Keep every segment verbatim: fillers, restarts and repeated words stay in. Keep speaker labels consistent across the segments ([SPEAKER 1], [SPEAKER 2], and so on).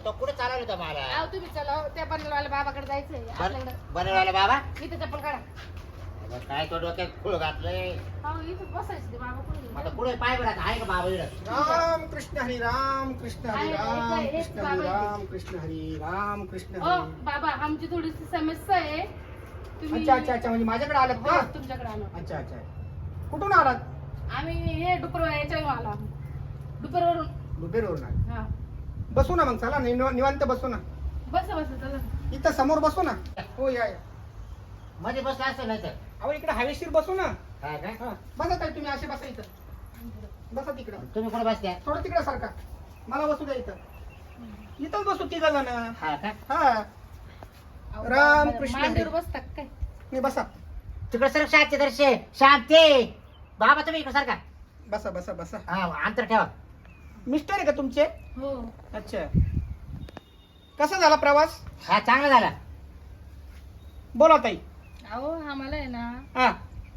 [SPEAKER 1] तो कुठे चालवलं होतं मला?
[SPEAKER 2] अहो तुम्ही चला त्या बनवायला बाबाकडे जायचंय आपल्याकडे.
[SPEAKER 1] बनवायला बाबा
[SPEAKER 2] इथे चप्पल काढा.
[SPEAKER 1] अगं, काय तो डोक्यात फुल घातलंय.
[SPEAKER 2] अहो इथं बसायचं ते बाबा कोणी
[SPEAKER 1] आता पुढे पाय बरं आहे का बाबा इकडं?
[SPEAKER 3] राम कृष्ण हरी राम कृष्ण हरी
[SPEAKER 2] आहे,
[SPEAKER 3] राम
[SPEAKER 2] आहे, आहे,
[SPEAKER 3] कृष्ण
[SPEAKER 2] बाबा
[SPEAKER 3] हरी
[SPEAKER 2] आहे.
[SPEAKER 3] राम कृष्ण हरी राम कृष्ण
[SPEAKER 2] ओ
[SPEAKER 3] हरी.
[SPEAKER 2] बाबा आमची थोडीशी समस्या आहे. तुम्ही
[SPEAKER 3] अच्छा अच्छा अच्छा म्हणजे माझ्याकडे आलात
[SPEAKER 2] हो,
[SPEAKER 3] का?
[SPEAKER 2] तुमच्याकडे आलो.
[SPEAKER 3] अच्छा अच्छा कुठून आलात?
[SPEAKER 2] आम्ही हे डुपर याच्या आला डुपरवरून.
[SPEAKER 3] दुबेरवरून आले.
[SPEAKER 2] हा
[SPEAKER 3] बसू ना मग चला निव- निवांत बसू ना.
[SPEAKER 2] बस बस चला.
[SPEAKER 3] इथं समोर बसू ना. हो या या.
[SPEAKER 1] मध्ये बसला असेल नाही तर.
[SPEAKER 3] अहो इकडे हवेशीर बसू ना.
[SPEAKER 1] काय काय?
[SPEAKER 3] हा बसा ताई तुम्ही असे बसा इथं. बसा तिकडं.
[SPEAKER 1] तुम्ही कुठे बसत्या?
[SPEAKER 3] थोडं तिकडं सारखा. मला बसू द्या इथं. इथंच बसू तिघ जण.
[SPEAKER 1] हा का?
[SPEAKER 3] हा
[SPEAKER 2] अहो,
[SPEAKER 3] राम
[SPEAKER 2] बाबा,
[SPEAKER 3] कृष्ण
[SPEAKER 2] मांडीवर
[SPEAKER 3] हरी.
[SPEAKER 2] बसतात काय?
[SPEAKER 3] नाही बसा
[SPEAKER 1] तिकडे सर शांती दर्शे शांती. बाबा तुम्ही इकडे सारखा.
[SPEAKER 3] बसा बसा बसा.
[SPEAKER 1] हा अंतर ठेवा.
[SPEAKER 3] मिस्टर आहे का तुमचे?
[SPEAKER 2] हो
[SPEAKER 3] अच्छा कसा झाला प्रवास?
[SPEAKER 1] हा चांगला झाला.
[SPEAKER 3] बोला ताई.
[SPEAKER 2] अहो आम्हाला आहे ना
[SPEAKER 3] हा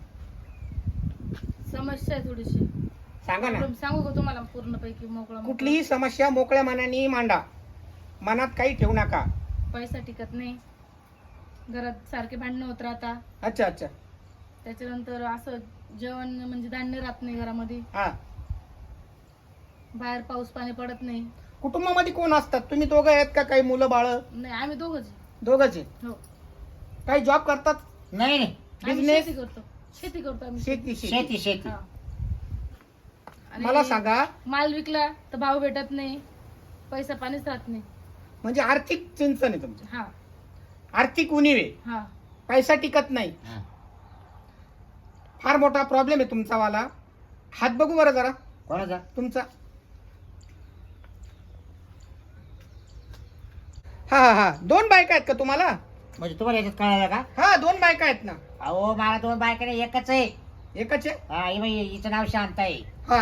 [SPEAKER 2] समस्या आहे थोडीशी.
[SPEAKER 3] सांगा ना.
[SPEAKER 2] प्रॉब्लेम सांगू का तुम्हाला पूर्णपैकी मोकळा मोकळा?
[SPEAKER 3] कुठलीही समस्या मोकळ्या मनाने मांडा. मनात काही ठेवू नका.
[SPEAKER 2] पैसा टिकत नाही. घरात सारखे भांडणं होत राहता.
[SPEAKER 3] अच्छा अच्छा
[SPEAKER 2] त्याच्यानंतर असं जेवण म्हणजे धान्य राहत नाही घरामध्ये.
[SPEAKER 3] हा
[SPEAKER 2] बाहेर पाऊस पाणी पडत नाही.
[SPEAKER 3] कुटुंबामध्ये कोण असतात? तुम्ही दोघं आहेत का? काही मुलं बाळ?
[SPEAKER 2] नाही आम्ही दोघंच.
[SPEAKER 3] दोघंच आहेत.
[SPEAKER 2] हो
[SPEAKER 3] काही जॉब करतात?
[SPEAKER 1] नाही नाही
[SPEAKER 2] आम्ही
[SPEAKER 3] बिझनेस?
[SPEAKER 2] शेती करतो. शेती करतो आम्ही.
[SPEAKER 3] शेती शेती
[SPEAKER 1] शेती शेती.
[SPEAKER 2] हा. आणि
[SPEAKER 3] मला सांगा
[SPEAKER 2] माल विकला तर भाव भेटत नाही. पैसा पाणीच राहत नाही.
[SPEAKER 3] म्हणजे आर्थिक चिंतन आहे तुमचं.
[SPEAKER 2] हा
[SPEAKER 3] आर्थिक उणीव आहे.
[SPEAKER 2] हा
[SPEAKER 3] पैसा टिकत नाही.
[SPEAKER 1] हा.
[SPEAKER 3] फार मोठा प्रॉब्लेम आहे तुमचा वाला. हात बघू बरं जरा
[SPEAKER 1] कोणाचा?
[SPEAKER 3] तुमचा. हा हा हा दोन बायका आहेत का तुम्हाला?
[SPEAKER 1] म्हणजे तुम्हाला याच्यात कळालं का?
[SPEAKER 3] हा दोन बायका आहेत ना.
[SPEAKER 1] अहो मला दोन बायका नाही एकच आहे.
[SPEAKER 3] एकच आहे.
[SPEAKER 1] हा ही बाई हिचं नाव शांत आहे.
[SPEAKER 3] हा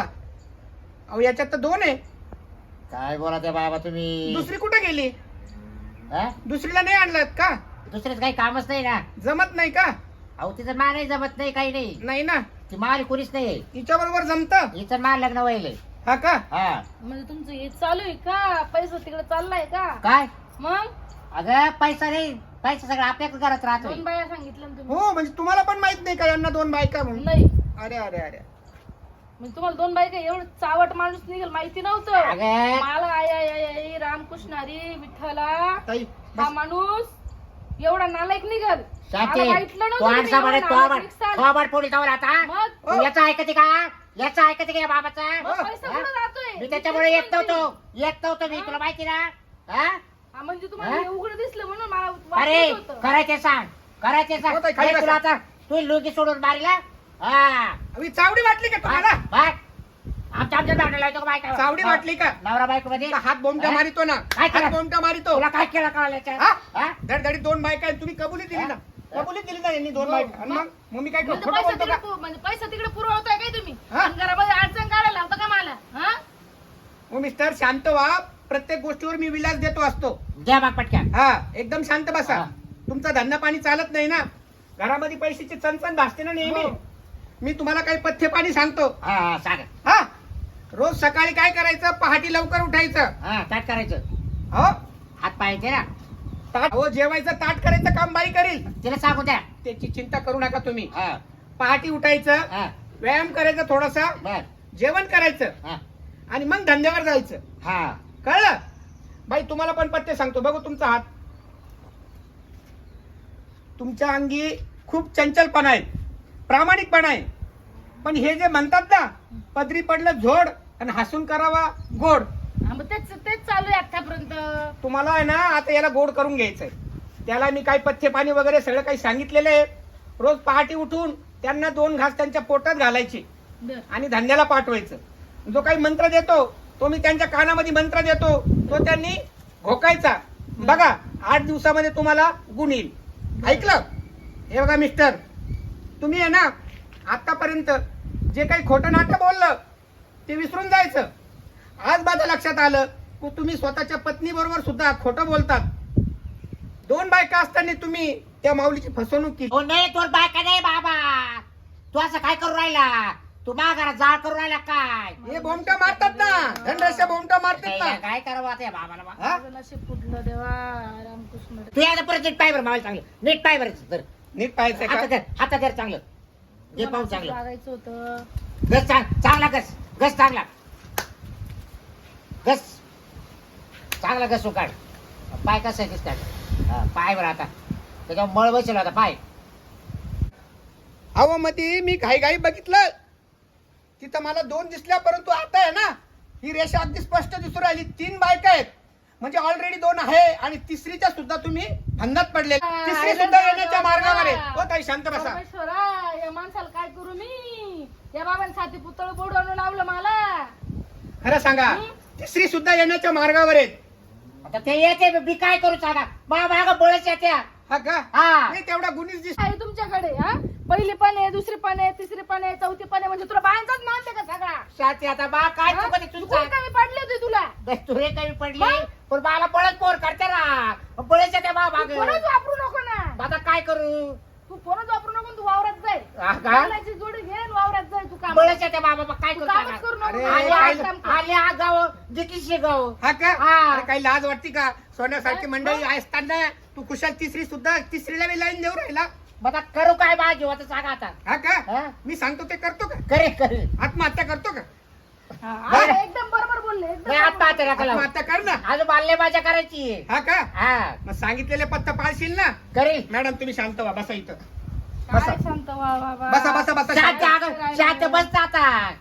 [SPEAKER 3] अहो याच्यात तर दोन आहे.
[SPEAKER 1] काय बोला त्या बाबा तुम्ही?
[SPEAKER 3] दुसरी कुठे गेली?
[SPEAKER 1] हा?
[SPEAKER 3] दुसरीला नाही आणलात का?
[SPEAKER 1] दुसरेच काही कामच नाही ना.
[SPEAKER 3] जमत नाही का?
[SPEAKER 1] अहो तिचं मा नाही जमत नाही काही नाही.
[SPEAKER 3] नाही ना.
[SPEAKER 1] ती माल कोणीच नाही.
[SPEAKER 3] तिच्या बरोबर जमत.
[SPEAKER 1] हिचं माल लग्न व्हायलंय.
[SPEAKER 3] हा का?
[SPEAKER 1] हा
[SPEAKER 2] म्हणजे तुमचं हे चालू आहे का? पैसा तिकडे चाललाय का?
[SPEAKER 1] काय?
[SPEAKER 2] मग
[SPEAKER 1] अगं पैसा नाही. पैसा सगळं आपल्याकडे घरात राहतोय.
[SPEAKER 2] दोन बाया सांगितलं ना तुम्ही.
[SPEAKER 3] हो म्हणजे तुम्हाला पण माहित नाही का यांना दोन बायका म्हणून?
[SPEAKER 2] नाही
[SPEAKER 3] अरे अरे अरे
[SPEAKER 2] म्हणजे तुम्हाला दोन बायका एवढं चावट माणूस निघेल माहिती नव्हतं.
[SPEAKER 1] अगं
[SPEAKER 2] मला आय आय आय आय रामकृष्ण हरी विठ्ठला
[SPEAKER 3] ताई
[SPEAKER 2] हा
[SPEAKER 3] बस.
[SPEAKER 2] माणूस एवढा नालायक निघल.
[SPEAKER 1] शांती
[SPEAKER 2] मला वाटलं
[SPEAKER 1] तो
[SPEAKER 2] नव्हतं तुम्ही
[SPEAKER 1] आणसा म्हणे
[SPEAKER 2] एवढा
[SPEAKER 1] तो
[SPEAKER 2] नालायक
[SPEAKER 1] आवाज
[SPEAKER 2] निघसाल.
[SPEAKER 1] तो आवाज पोलीस जाऊन आता.
[SPEAKER 2] मग
[SPEAKER 1] तू याचा ऐकते का? याचा ऐकते का या बाबाचा?
[SPEAKER 2] मग पैसा
[SPEAKER 1] हा?
[SPEAKER 2] कुठं जातोय?
[SPEAKER 1] मी त्याच्यामुळे येत नव्हतो. येत नव्हतो मी. तुला माहिती ना? हा?
[SPEAKER 2] हा, म्हणजे तुम्हाला
[SPEAKER 1] हा?
[SPEAKER 2] हे उघडं दिसलं म्हणून मला
[SPEAKER 1] अरे
[SPEAKER 2] वाटत होतं.
[SPEAKER 1] करायचे सांग. करायचे सांग.
[SPEAKER 3] हो ताई, खाली
[SPEAKER 1] हे तुला
[SPEAKER 3] बसा.
[SPEAKER 1] आता तू लुगी सोडून मारला. हा
[SPEAKER 3] अहो, चावडी वाटली का तुम्हाला?
[SPEAKER 1] बघ. आमच्या आमच्या दांडा लावतो का बायका?
[SPEAKER 3] चावडी वाटली का?
[SPEAKER 1] नवरा बायको मध्ये
[SPEAKER 3] तुला हात बोमटा
[SPEAKER 1] हा?
[SPEAKER 3] मारितो ना.
[SPEAKER 1] काय केलं?
[SPEAKER 3] हात बोमटा मारितो.
[SPEAKER 1] तुला काय केलं कळालं याच्यात?
[SPEAKER 3] हा?
[SPEAKER 1] हा?
[SPEAKER 3] धडधडीत दोन बायका आहेत. तुम्ही कबुली दिली ना.
[SPEAKER 1] हा?
[SPEAKER 3] कबुली दिली ना यांनी दोन
[SPEAKER 2] हो.
[SPEAKER 3] बायका. आणि मग मग मी काय करू?
[SPEAKER 2] म्हणजे
[SPEAKER 3] खोटं
[SPEAKER 2] पैसा
[SPEAKER 3] बोलतो
[SPEAKER 2] तिकडे
[SPEAKER 3] का?
[SPEAKER 2] पु- म्हणजे पैसा तिकडे पुरवताय काय तुम्ही?
[SPEAKER 3] हा?
[SPEAKER 2] आणि घरामध्ये अडचण काढायला लावता का मला? हा?
[SPEAKER 3] हो मिस्टर शांत व्हा. प्रत्येक गोष्टीवर मी विलास देतो असतो.
[SPEAKER 1] द्या मग पटक्यान.
[SPEAKER 3] हा एकदम शांत बसा.
[SPEAKER 1] हा.
[SPEAKER 3] तुमचा धंदा पाणी चालत नाही ना. घरामध्ये पैशाची चणचण भासते ना नेहमी.
[SPEAKER 2] हो.
[SPEAKER 3] मी तुम्हाला काही पथ्य पाणी सांगतो.
[SPEAKER 1] हा हा, सांगा.
[SPEAKER 3] हा रोज सकाळी काय करायचं? पहाटे लवकर उठायचं.
[SPEAKER 1] हा ताट करायचं.
[SPEAKER 3] हो
[SPEAKER 1] हात पाहायचे ना.
[SPEAKER 3] ताट हो जेवायचं ताट करायचं काम बाई करेल.
[SPEAKER 1] तिला सांगू द्या.
[SPEAKER 3] त्याची चिंता करू नका तुम्ही.
[SPEAKER 1] हा
[SPEAKER 3] पहाटे उठायचं.
[SPEAKER 1] हा
[SPEAKER 3] व्यायाम करायचा थोडासा.
[SPEAKER 1] बर
[SPEAKER 3] जेवण करायचं
[SPEAKER 1] हा
[SPEAKER 3] आणि मग धंद्यावर जायचं.
[SPEAKER 1] हा
[SPEAKER 3] कळलं? बाई तुम्हाला पण पत्ते सांगतो. बघू तुमचा हात. तुमच्या अंगी खूप चंचलपणा आहे. प्रामाणिकपणा आहे. पण हे जे म्हणतात ना पदरी पडलं झोड आणि हसून करावा गोड.
[SPEAKER 2] हा, मग तेच तेच चालू आहे आतापर्यंत.
[SPEAKER 3] तुम्हाला आहे ना आता याला गोड करून घ्यायचंय. त्याला मी काही पथ्य पाणी वगैरे सगळं काही सांगितलेलं आहे. रोज पहाटे उठून त्यांना दोन घास त्यांच्या पोटात घालायचे
[SPEAKER 2] बर.
[SPEAKER 3] आणि धंद्याला पाठवायचं. जो काही मंत्र देतो तो मी त्यांच्या कानामध्ये मंत्र देतो तो त्यांनी घोकायचा. बघा आठ दिवसामध्ये तुम्हाला गुण येईल. ऐकलं? हे बघा मिस्टर तुम्ही आहे ना आतापर्यंत जे काही खोटं नाटं बोललं ते विसरून जायचं. आज माझ्या लक्षात आलं की तुम्ही स्वतःच्या पत्नी बरोबर सुद्धा खोटं बोलतात. दोन बायका असताना तुम्ही त्या माऊलीची फसवणूक केली.
[SPEAKER 1] हो नाही तोर बायका नाही बाबा. तू असं काय करू राहिला? तू माघारा जाळ करून राहिला काय
[SPEAKER 3] हे बोमटा मारतात ना धनरस्या बोमटा मारतात ना.
[SPEAKER 1] काय काय करावं आता या बाबाला बा?
[SPEAKER 3] हा?
[SPEAKER 2] माझं नशीब फुटलं देवा रामकृष्ण.
[SPEAKER 1] तू यायला परत नीट पाय बरं मावाला चांगलं नीट पाय बरं तर
[SPEAKER 3] नीट पाहायचं
[SPEAKER 1] हातात
[SPEAKER 3] का
[SPEAKER 1] धर हातात धर चांगलं जे पाहून चांगलं
[SPEAKER 2] लागायचं होतं.
[SPEAKER 1] गस चांग चांगला गस गस चांगला गस चांगला गस काढ पाय कसा आहे दिसतात हा, पाय बरं आता त्याच्यावर मळ बसेल आता पाय
[SPEAKER 3] अहो मध्ये मी घाई घाई बघितलं तिथं मला दोन दिसल्या परंतु आता आहे ना ही रेषा अगदी स्पष्ट दिसून राहिली तीन बायका आहेत म्हणजे ऑलरेडी दोन आहे आणि तिसरीच्या सुद्धा तुम्ही फंदात पडले तिसरी सुद्धा येण्याच्या मार्गावर आहे. हो ताई शांत बसा.
[SPEAKER 2] परमेश्वरा या माणसाला काय करू मी या बाबांनी साथी पुतळ बोडवून लावलं मला.
[SPEAKER 3] खरं सांगा तिसरी सुद्धा येण्याच्या मार्गावर आहेत.
[SPEAKER 1] आता ते येते मी काय करू सांगा बा माग बोलायच्या त्या
[SPEAKER 3] हा का
[SPEAKER 1] हा
[SPEAKER 3] नाही तेवढा गुणीच दिस
[SPEAKER 2] आहे तुमच्याकडे हा पहिली पण आहे दुसरी पण आहे तिसरी पण आहे चौथी पण आहे म्हणजे तुला बायांचाच मानते का सगळा
[SPEAKER 1] शाती आता बा काय
[SPEAKER 2] हा?
[SPEAKER 1] चुकते
[SPEAKER 2] चुकून
[SPEAKER 1] तुझं
[SPEAKER 2] कमी पडले होते तुला
[SPEAKER 1] तुरे कमी पडली
[SPEAKER 2] मग?
[SPEAKER 1] पण मला पळत पोर करते ना बोलायच्या त्या बा माग
[SPEAKER 2] तू फोनच वापरू नको ना
[SPEAKER 1] आता काय करू
[SPEAKER 2] तू फोनच वापरू नको तू वावरात जाय
[SPEAKER 1] हा का?
[SPEAKER 2] बोलायची जोडी घे आणि वावरात जाय तू काम
[SPEAKER 1] बोलायच्या त्या बाबा काय
[SPEAKER 2] तू
[SPEAKER 1] करू
[SPEAKER 2] कामच
[SPEAKER 1] सांगा?
[SPEAKER 2] करू नको
[SPEAKER 3] अरे,
[SPEAKER 2] तू
[SPEAKER 1] आले
[SPEAKER 2] वावरात
[SPEAKER 3] काय-
[SPEAKER 2] काम कर.
[SPEAKER 1] आले हा गाव जिकीशी गाव
[SPEAKER 3] हा का
[SPEAKER 1] हा.
[SPEAKER 3] अरे काही लाज वाटते का सोन्यासारखी
[SPEAKER 2] काय?
[SPEAKER 3] मंडळी असताना तू कुशाल तिसरी सुद्धा तिसरीला मी लाईन देऊ राहिला
[SPEAKER 1] मग आता करू काय बा जीव आता सांगा आता
[SPEAKER 3] हा का
[SPEAKER 1] हा?
[SPEAKER 3] मी सांगतो ते करतो का
[SPEAKER 1] करे करे
[SPEAKER 3] आत्महत्या करतो का
[SPEAKER 2] हा,
[SPEAKER 1] बरं.
[SPEAKER 2] हा, एकदम बरोबर बोलले एकदम
[SPEAKER 1] नाही
[SPEAKER 2] बरोबर.
[SPEAKER 1] आत्महत्या नका लावू.
[SPEAKER 3] आत्महत्या कर ना
[SPEAKER 1] अजून बाल्य माझ्या करायची
[SPEAKER 3] हा का
[SPEAKER 1] हा
[SPEAKER 3] मग सांगितलेले पत्ता पाळशील ना
[SPEAKER 1] करेल
[SPEAKER 3] मॅडम तुम्ही शांत व्हा बसा इथं बसा
[SPEAKER 2] काय शांत व्हा बाबा.
[SPEAKER 3] बसा बसा बसा
[SPEAKER 1] शांत
[SPEAKER 3] शांत.
[SPEAKER 1] अगं, शांत बस आता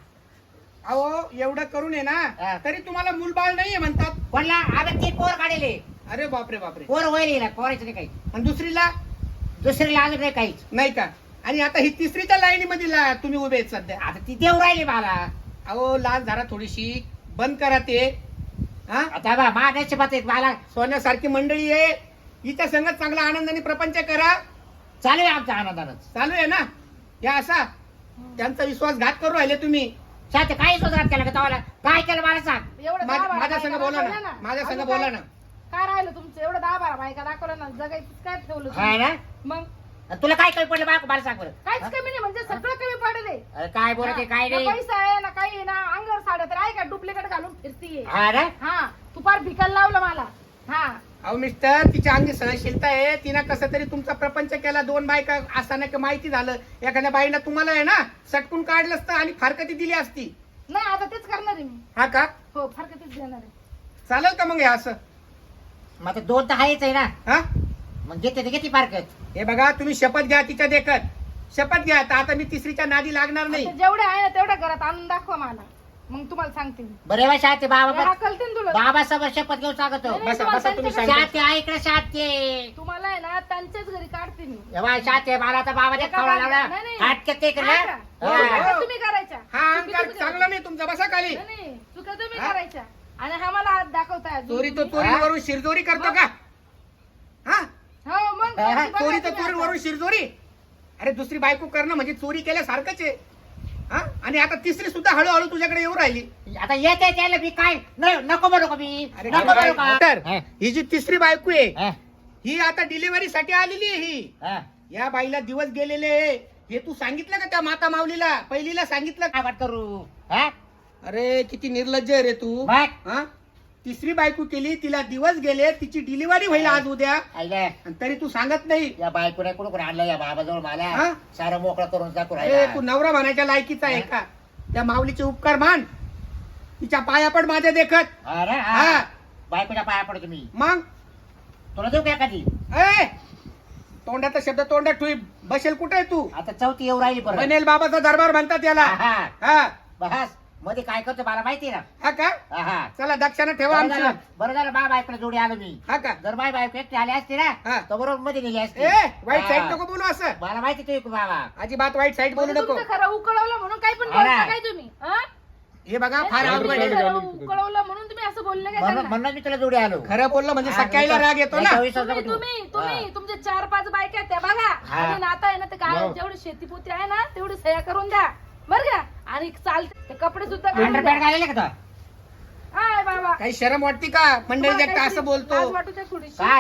[SPEAKER 3] अहो एवढं करून आहे
[SPEAKER 1] हा.
[SPEAKER 3] ना तरी तुम्हाला मूलबाळ नाहीये म्हणतात
[SPEAKER 1] कोणला आम्ही तीन पोर काढले
[SPEAKER 3] अरे बापरे बापरे
[SPEAKER 1] पोर होईल ना पोरायचं नाही काही
[SPEAKER 3] आणि दुसरीला
[SPEAKER 1] दुसरीला अजून नाही काहीच
[SPEAKER 3] नाही का आणि आता ही तिसरीच्या लाईनीमध्ये ला- तुम्ही उभे आहेत सध्या
[SPEAKER 1] आता ती देऊ राहिली मला
[SPEAKER 3] अहो लाज धरा थोडीशी बंद करा ते हा
[SPEAKER 1] आता बा मागायची बात मला
[SPEAKER 3] सोन्यासारखी मंडळी आहे हिच्या संगत चांगला आनंदाने प्रपंच करा
[SPEAKER 1] चालू आहे आमच्या आनंदानच
[SPEAKER 3] चालू आहे ना या असा त्यांचा विश्वासघात करू राहिले तुम्ही
[SPEAKER 1] शांत काही सुधारात केलं का तवाला काय केलं मला सांग
[SPEAKER 2] एवढं
[SPEAKER 3] माझ्या-
[SPEAKER 2] दहा बारा
[SPEAKER 3] माझ्या
[SPEAKER 2] बायका
[SPEAKER 3] संग बोला ना.
[SPEAKER 2] दाखवल्या
[SPEAKER 3] माझ्या संग
[SPEAKER 2] अजून
[SPEAKER 3] बोला
[SPEAKER 2] काय-
[SPEAKER 3] ना.
[SPEAKER 2] काय राहिलं तुमचं एवढं दहा बारा बायका दाखवलं ना जगायचं काय ठेवलं
[SPEAKER 1] हा
[SPEAKER 2] तुम्ही?
[SPEAKER 1] ना
[SPEAKER 2] मग
[SPEAKER 1] आणि तुला काय कमी पडलं बायको मला सांग बरं
[SPEAKER 2] काहीच
[SPEAKER 1] हा?
[SPEAKER 2] कमी नाही म्हणजे सगळं कमी पडले
[SPEAKER 1] अरे काय बोलते काय
[SPEAKER 2] ना
[SPEAKER 1] नाही
[SPEAKER 2] पैसा आहे ना काही आहे ना अंगावर साड्या तर आहे का डुप्लिकेट घालून फिरतीये
[SPEAKER 1] हा ना
[SPEAKER 2] हा तू फार भिकायला लावलं मला हा
[SPEAKER 3] अहो मिस्टर तिच्या अंगी सहनशीलता आहे तिनं कसं तरी तुमचा प्रपंच केला दोन बायका असताना की माहिती झालं एखाद्या बाईनं तुम्हाला आहे ना सटकून काढलं असतं आणि फारकती दिली असती
[SPEAKER 2] नाही आता तेच करणार आहे मी
[SPEAKER 3] हा का
[SPEAKER 2] हो फार तेच देणार आहे
[SPEAKER 3] चालेल का मग हे असं
[SPEAKER 1] मग आता दोन तर आहेच आहे ना
[SPEAKER 3] हा
[SPEAKER 1] मग घेते ते किती पारकत
[SPEAKER 3] हे बघा तुम्ही शपथ घ्या तिच्या देखत शपथ घ्या तर आता मी तिसरीच्या नादी लागणार नाही
[SPEAKER 2] आता जेवढे आहे ना तेवढ्या घरात आणून दाखवा मला मग तुम्हाला सांगते मी
[SPEAKER 1] बरे बा शांती बाबा
[SPEAKER 2] हा, कळते ना तुला
[SPEAKER 1] बाबा समोर शपथ घेऊन सांगतो
[SPEAKER 2] नाही,
[SPEAKER 3] बसा
[SPEAKER 2] तुम्हाला
[SPEAKER 3] बसा तुम्ही
[SPEAKER 2] त्यांच्याकडे-
[SPEAKER 3] सांगा
[SPEAKER 1] शांती आहे इकडे शांती
[SPEAKER 2] तुम्हाला आहे ना त्यांच्याच घरी काढते मी
[SPEAKER 1] एव्हा शांती मला आता बाबाने
[SPEAKER 2] एका
[SPEAKER 1] खावला
[SPEAKER 2] बाजू-
[SPEAKER 1] लावला
[SPEAKER 2] नाही, नाही.
[SPEAKER 1] हात ते
[SPEAKER 2] हा का?
[SPEAKER 3] हो,
[SPEAKER 2] हो,
[SPEAKER 3] हो.
[SPEAKER 2] चुका तुम्ही करायच्या
[SPEAKER 3] हा
[SPEAKER 2] चुकी
[SPEAKER 3] अंकार
[SPEAKER 2] तुम्ही
[SPEAKER 3] चांगला नाही तुमचा बसा खाली
[SPEAKER 2] नाही, नाही चुका तुम्ही
[SPEAKER 3] हा?
[SPEAKER 2] करायच्या आणि हा मला हात दाखवताय अजून
[SPEAKER 3] चोरी तो
[SPEAKER 2] तुम्ही.
[SPEAKER 3] चोरीवरून शिरजोरी करतो का हा
[SPEAKER 2] हो मग
[SPEAKER 1] हा,
[SPEAKER 2] बघा
[SPEAKER 3] चोरी तर
[SPEAKER 2] तुम्ही
[SPEAKER 3] चोरीवरून
[SPEAKER 2] आता.
[SPEAKER 3] शिरजोरी अरे दुसरी बायको करणं म्हणजे चोरी केल्यासारखंच आहे हा आणि आता तिसरी सुद्धा हळूहळू तुझ्याकडे येऊ राहिली
[SPEAKER 1] आता येते त्याला मी काय न- नको म्हणू का मी
[SPEAKER 3] अरे
[SPEAKER 1] नको
[SPEAKER 3] काय-
[SPEAKER 1] म्हणू का
[SPEAKER 3] डॉक्टर,
[SPEAKER 1] हा,
[SPEAKER 3] ही जी तिसरी बायको आहे
[SPEAKER 1] हा,
[SPEAKER 3] ही आता डिलिव्हरी साठी आलेली आहे ही
[SPEAKER 1] हा.
[SPEAKER 3] या बाईला दिवस गेलेले आहे. हे तू सांगितलं का त्या माता माऊलीला पहिलीला सांगितलं का?
[SPEAKER 1] काय वाट करू हा?
[SPEAKER 3] अरे किती निर्लज्ज आहे रे तू
[SPEAKER 1] मग
[SPEAKER 3] हा तिसरी बायको केली तिला दिवस गेले तिची डिलिव्हरी होईल आज उद्या
[SPEAKER 1] आईला
[SPEAKER 3] आणि तरी तू सांगत नाही
[SPEAKER 1] या बायकोने कुठं कुठं आणलं या बाबाजवळ मला
[SPEAKER 3] हा?
[SPEAKER 1] सारं मोकळं करून दाखवू
[SPEAKER 3] अरे
[SPEAKER 1] राहिला
[SPEAKER 3] तू नवरा म्हणायच्या लायकीचा आहे का त्या माऊलीचे उपकार मान तिच्या पाया पण माझ्या देखत
[SPEAKER 1] अरे
[SPEAKER 3] हा.
[SPEAKER 1] हा बायकोच्या पाया पडतो मी
[SPEAKER 3] मग
[SPEAKER 1] तुला देऊ का कधी
[SPEAKER 3] ए तोंडाचा शब्द तोंडात ठुई बसेल कुठे आहे तू
[SPEAKER 1] आता चौथी येऊ राहिली परत
[SPEAKER 3] बनेल बाबाचा दरबार म्हणतात याला
[SPEAKER 1] हा, हा.
[SPEAKER 3] हा
[SPEAKER 1] बस मध्ये काय करतो मला माहिती ना
[SPEAKER 3] हा का
[SPEAKER 1] हा, हा.
[SPEAKER 3] चला दक्षाने ठेवा
[SPEAKER 1] बरं झालं
[SPEAKER 3] आमचं
[SPEAKER 1] बरं झालं बा बायकोला जोडी आलो मी
[SPEAKER 3] हा का
[SPEAKER 1] जर बाय बायको एकटी आली असती ना
[SPEAKER 3] हा.
[SPEAKER 1] तर बरोबर मध्ये नेली असती
[SPEAKER 3] ए वाईट
[SPEAKER 1] हा.
[SPEAKER 3] साईड नको बोलू असं
[SPEAKER 1] मला माहिती तू बाबा
[SPEAKER 3] अजिबात वाईट साईड बोलू
[SPEAKER 2] म्हणजे
[SPEAKER 3] नको
[SPEAKER 2] तुमचं खरं उकळवलं म्हणून काही पण
[SPEAKER 1] अरे.
[SPEAKER 2] बोलता काय तुम्ही हा?
[SPEAKER 3] हे बघा फार
[SPEAKER 2] नाही,
[SPEAKER 3] अवघड
[SPEAKER 2] तुम्ही
[SPEAKER 3] आहे
[SPEAKER 2] खरं उकळवलं म्हणून तुम्ही असं बोलले काय
[SPEAKER 1] म्हणून
[SPEAKER 2] त्यांना?
[SPEAKER 1] म्हणून मी तुला जोडी आलो
[SPEAKER 3] खरं बोललं म्हणजे
[SPEAKER 1] हा,
[SPEAKER 3] सकाळीला राग येतो ना
[SPEAKER 1] याच्या विश्वास
[SPEAKER 2] तुम्ही
[SPEAKER 1] नको ठेवू.
[SPEAKER 2] तुम्ही तुम्ही
[SPEAKER 1] हा.
[SPEAKER 2] तुमचे चार पाच बायका आहेत त्या बघा
[SPEAKER 1] हा.
[SPEAKER 2] आणि नाता आहे ना ते काय जेवढी शेतीपुत्री आहे ना तेवढी सह्या करून द्या बरं का आणि चालते ते कपडे सुद्धा घालून
[SPEAKER 1] अंडरपॅड
[SPEAKER 2] द्या.
[SPEAKER 1] घालेले का तो?
[SPEAKER 2] हाय बाबा
[SPEAKER 3] काही शरम वाटते का मंडळी
[SPEAKER 2] तुम्हाला
[SPEAKER 3] देखता
[SPEAKER 2] काहीतरी
[SPEAKER 3] असं बोलतो
[SPEAKER 2] लाज वाटू द्या थोडीशी.
[SPEAKER 1] काय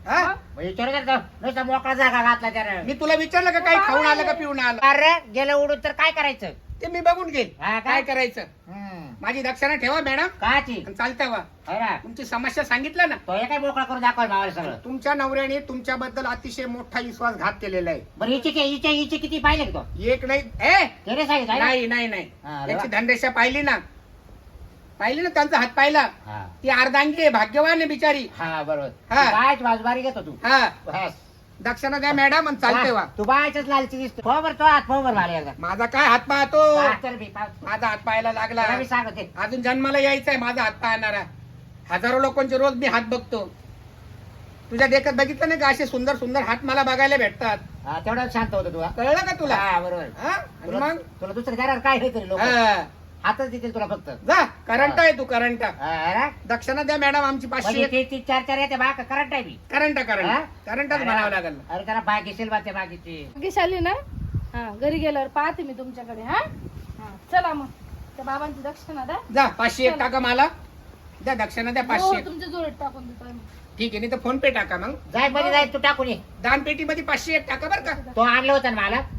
[SPEAKER 3] हा?
[SPEAKER 1] मग विचारू का तो? नुसता मोकळा जागा घातला त्यानं.
[SPEAKER 3] मी तुला विचारलं का काही खाऊन आलं का पिऊन आलं?
[SPEAKER 1] अरे गेलं उडून तर काय करायचं?
[SPEAKER 3] ते मी बघून घेईल
[SPEAKER 1] हा का?
[SPEAKER 3] काय करायचं.
[SPEAKER 1] हम्म.
[SPEAKER 3] माझी दक्षिणा ठेवा मॅडम
[SPEAKER 1] काची
[SPEAKER 3] आणि चालतंय वा.
[SPEAKER 1] है ना?
[SPEAKER 3] तुमची समस्या सांगितलं ना.
[SPEAKER 1] तो हे काय मोकळा करून दाखवाय भावाला सगळं.
[SPEAKER 3] तुमच्या नवऱ्याने तुमच्याबद्दल अतिशय मोठा विश्वासघात केलेला आहे.
[SPEAKER 1] बरं हिची के- हिची हिची किती पाहिले का तो?
[SPEAKER 3] एक नाही ए
[SPEAKER 1] त्याने सांगितलं आहे ना?
[SPEAKER 3] नाही नाही नाही
[SPEAKER 1] हा, अरे
[SPEAKER 3] त्यांची
[SPEAKER 1] वा.
[SPEAKER 3] धनरेषा पाहिली ना. पाहिली ना त्यांचा हात पाहिला.
[SPEAKER 1] हा.
[SPEAKER 3] ती अर्धांगी आहे, भाग्यवान आहे बिचारी.
[SPEAKER 1] हा बरोबर.
[SPEAKER 3] हा.
[SPEAKER 1] तू बायच बाजबारी घेतो तू.
[SPEAKER 3] हा
[SPEAKER 1] बस.
[SPEAKER 3] दक्षिणा द्या मॅडम आणि चालते वा.
[SPEAKER 1] तू बायच लालची दिसतो. हो बरं तो हात हो बरं मला एकदा.
[SPEAKER 3] माझा काय हात पाहतो.
[SPEAKER 1] हा, चल बी, पाहतो.
[SPEAKER 3] माझा हात पाहायला लागला.
[SPEAKER 1] तुला मी सांगते.
[SPEAKER 3] अजून जन्माला यायचंय माझा हात पाहणारा. हजारो लोकांचे रोज मी हात बघतो. तुझ्या देखत बघितलं नाही का असे सुंदर सुंदर हात मला बघायला भेटतात.
[SPEAKER 1] हा, तेवढं शांत होतो तू. हा?
[SPEAKER 3] कळलं का तुला.
[SPEAKER 1] हा बरोबर.
[SPEAKER 3] हा? आणि
[SPEAKER 1] तुला
[SPEAKER 3] मग
[SPEAKER 1] तुला दुसरं देणार काय हे तरी लोक
[SPEAKER 3] हा.
[SPEAKER 1] हातच देतील तुला फक्त.
[SPEAKER 3] जा करंट आहे तू करंट.
[SPEAKER 1] हा, अरे?
[SPEAKER 3] दक्षिणा द्या मॅडम आमची
[SPEAKER 1] म्हणजे
[SPEAKER 3] पाचशे.
[SPEAKER 1] ते तीन चार चार येते बा करंट आहे मी.
[SPEAKER 3] करंट
[SPEAKER 1] हा?
[SPEAKER 3] करंट करंटच
[SPEAKER 1] अरे,
[SPEAKER 3] म्हणावं लागेल.
[SPEAKER 1] अरे त्याला बाग घेशील बा त्या बागेची.
[SPEAKER 2] भाग्यशाली ना. हा घरी गेल्यावर पाहते मी तुमच्याकडे. हा हा चला मग त्या बाबांची दक्षिणा द्या.
[SPEAKER 3] जा पाचशे एक टाका मला. द्या दक्षिणा द्या
[SPEAKER 2] हो
[SPEAKER 3] पाचशे.
[SPEAKER 2] तुमच्या जोडीत टाकून देतो आम्ही.
[SPEAKER 3] ठीक आहे नाही तर फोन पे टाका मग.
[SPEAKER 1] जाय मध्ये जाय तू टाकून ये.
[SPEAKER 3] दान पेटीमध्ये पाचशे एक टाका बरं का.
[SPEAKER 1] तो आणलं होतं ना मला.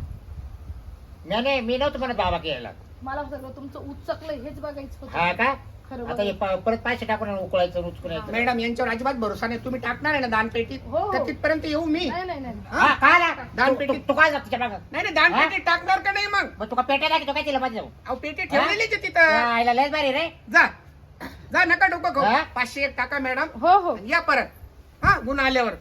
[SPEAKER 1] मी नाही मी नव्हतं म्हणत बाबा केला.
[SPEAKER 2] मला सगळं तुमचं उचकलंय हेच बघायचं
[SPEAKER 1] हा
[SPEAKER 2] होतं.
[SPEAKER 1] का?
[SPEAKER 2] खरं
[SPEAKER 1] आता हे
[SPEAKER 2] बघा.
[SPEAKER 1] प- परत पैसे टाकून उकळायचं उचकून
[SPEAKER 3] मॅडम यांच्यावर अजिबात भरोसा नाही. तुम्ही टाकणार आहे ना दान पेटीत
[SPEAKER 2] हो, हो.
[SPEAKER 3] तर तिथपर्यंत येऊ मी.
[SPEAKER 2] नाही नाही नाही
[SPEAKER 3] हा?
[SPEAKER 1] हा काय ना?
[SPEAKER 3] दान
[SPEAKER 1] तू-
[SPEAKER 3] पेटी-
[SPEAKER 1] तू- तू काय जात तिच्या मागं?
[SPEAKER 3] नाही नाही दान
[SPEAKER 1] हा?
[SPEAKER 3] पेटीत टाकणार का नाही मग.
[SPEAKER 1] मग तुका पेट्या लागतो काय तिला मध्ये जाऊ?
[SPEAKER 3] अहो पेटी ठेवलेलीच आहे तिथं.
[SPEAKER 1] आईला लयच भारी रे.
[SPEAKER 3] जा जा नका डोकं खाऊ.
[SPEAKER 1] हा?
[SPEAKER 3] पाचशे एक टाका मॅडम.
[SPEAKER 2] हो हो
[SPEAKER 3] या परत हा गुण आल्यावर.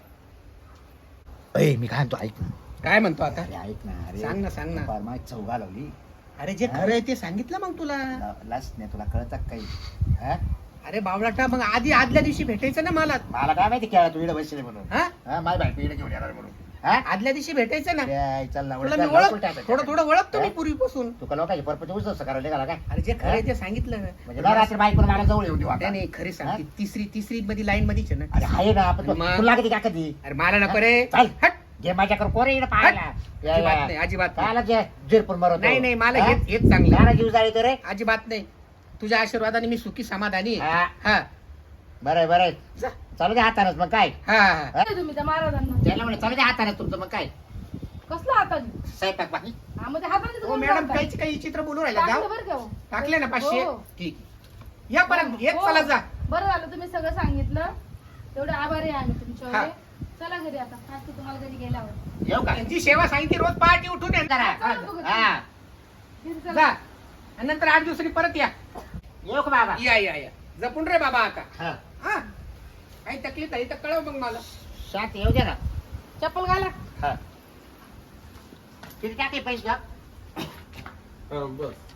[SPEAKER 1] ए मी काय म्हणतो ऐक ना.
[SPEAKER 3] काय म्हणतो आता.
[SPEAKER 1] अरे ऐक ना. अरे
[SPEAKER 3] सांग ना सांग ना.
[SPEAKER 1] फार माझी चौघा लावली.
[SPEAKER 3] अरे जे खरं आहे ते सांगितलं मग तुला.
[SPEAKER 1] लास्ट नाही तुला कळत काही. हा?
[SPEAKER 3] अरे बावळाटा मग आधी आदल्या दिवशी भेटायचं ना मला.
[SPEAKER 1] मला काय माहिती केळा तू इकडे बसले म्हणून.
[SPEAKER 3] हा
[SPEAKER 1] हा माझी बायको इकडे घेऊन येणार म्हणून. हा?
[SPEAKER 3] आदल्या दिवशी भेटायचं ना.
[SPEAKER 1] ए, चल ना
[SPEAKER 3] तुला मी
[SPEAKER 1] उलट
[SPEAKER 3] ओळख
[SPEAKER 1] उलट
[SPEAKER 3] थोडं थोडं ओळखतो मी
[SPEAKER 1] हा?
[SPEAKER 3] पूर्वीपासून.
[SPEAKER 1] तुका लोकांची परपती उचल करायला निघाला काय?
[SPEAKER 3] अरे जे खरं आहे ते सांगितलं
[SPEAKER 1] म्हणजे
[SPEAKER 3] ना.
[SPEAKER 1] ना रात्री बायको मला जवळ येऊ देऊ
[SPEAKER 3] नाही
[SPEAKER 1] आता.
[SPEAKER 3] नाही खरी सांग
[SPEAKER 1] हा?
[SPEAKER 3] ती तिसरी तिसरी मध्ये लाईन मध्येच आहे
[SPEAKER 1] अरे
[SPEAKER 3] ना.
[SPEAKER 1] आहे ना आपण
[SPEAKER 3] मग?
[SPEAKER 1] तुला कधी का कधी
[SPEAKER 3] अरे मला नको रे.
[SPEAKER 1] चल.
[SPEAKER 3] हट.
[SPEAKER 1] घे माझ्याकडे कोरे इकडे पाहायला. या,
[SPEAKER 3] अजिबात
[SPEAKER 1] या.
[SPEAKER 3] नाही अजिबात नाही.
[SPEAKER 1] कायला जे जिरपूर मरवतो.
[SPEAKER 3] नाही नाही मला
[SPEAKER 1] हा?
[SPEAKER 3] हेच हेच चांगलं.
[SPEAKER 1] कायला जीव जाळी रे.
[SPEAKER 3] अजिबात नाही. तुझ्या आशीर्वादाने मी सुखी समाधानी आहे.
[SPEAKER 1] हा
[SPEAKER 3] हा
[SPEAKER 1] बरं बरं
[SPEAKER 3] जा.
[SPEAKER 1] चालू दे हातानच मग काय.
[SPEAKER 3] हा हा.
[SPEAKER 1] हा?
[SPEAKER 2] काय तुम्ही त्या महाराजांना
[SPEAKER 1] त्याला म्हणे चालू दे हाताने तुमचं मग काय
[SPEAKER 2] कसलं हाताने.
[SPEAKER 1] स्वयंपाक बाकी.
[SPEAKER 2] हा मग ते हाताने
[SPEAKER 3] हो मॅडम काहीच काही चित्र बोलू राहिला
[SPEAKER 2] टाकलं
[SPEAKER 3] जाऊ.
[SPEAKER 2] बरं का हो?
[SPEAKER 3] टाकले ना पाचशे.
[SPEAKER 2] हो.
[SPEAKER 3] ठीक या परत येत
[SPEAKER 2] हो.
[SPEAKER 3] चला जा.
[SPEAKER 2] बरं झालं तुम्ही सगळं सांगितलं. तेवढे आभारी आहे आम्ही
[SPEAKER 3] हा.
[SPEAKER 2] तुमच्यावर. चला घरी आता. आज ते तुम्हाला घरी गेल्यावर
[SPEAKER 1] येऊ का?
[SPEAKER 3] त्यांची सेवा सांगितली रोज पहाटे उठून ये.
[SPEAKER 1] जरा.
[SPEAKER 3] हा,
[SPEAKER 1] हा
[SPEAKER 2] घरी
[SPEAKER 3] जा
[SPEAKER 2] चला.
[SPEAKER 3] आणि नंतर आठ दिवसांनी परत या.
[SPEAKER 1] येऊ का बाबा?
[SPEAKER 3] या या या जपून रे बाबा आता.
[SPEAKER 1] हा
[SPEAKER 3] हा काही तकलीफ आहे तर कळव मग मला.
[SPEAKER 1] शांत येऊ दे ना.
[SPEAKER 2] चप्पल घाला.
[SPEAKER 1] हा किती टाके पैसे का?
[SPEAKER 3] बस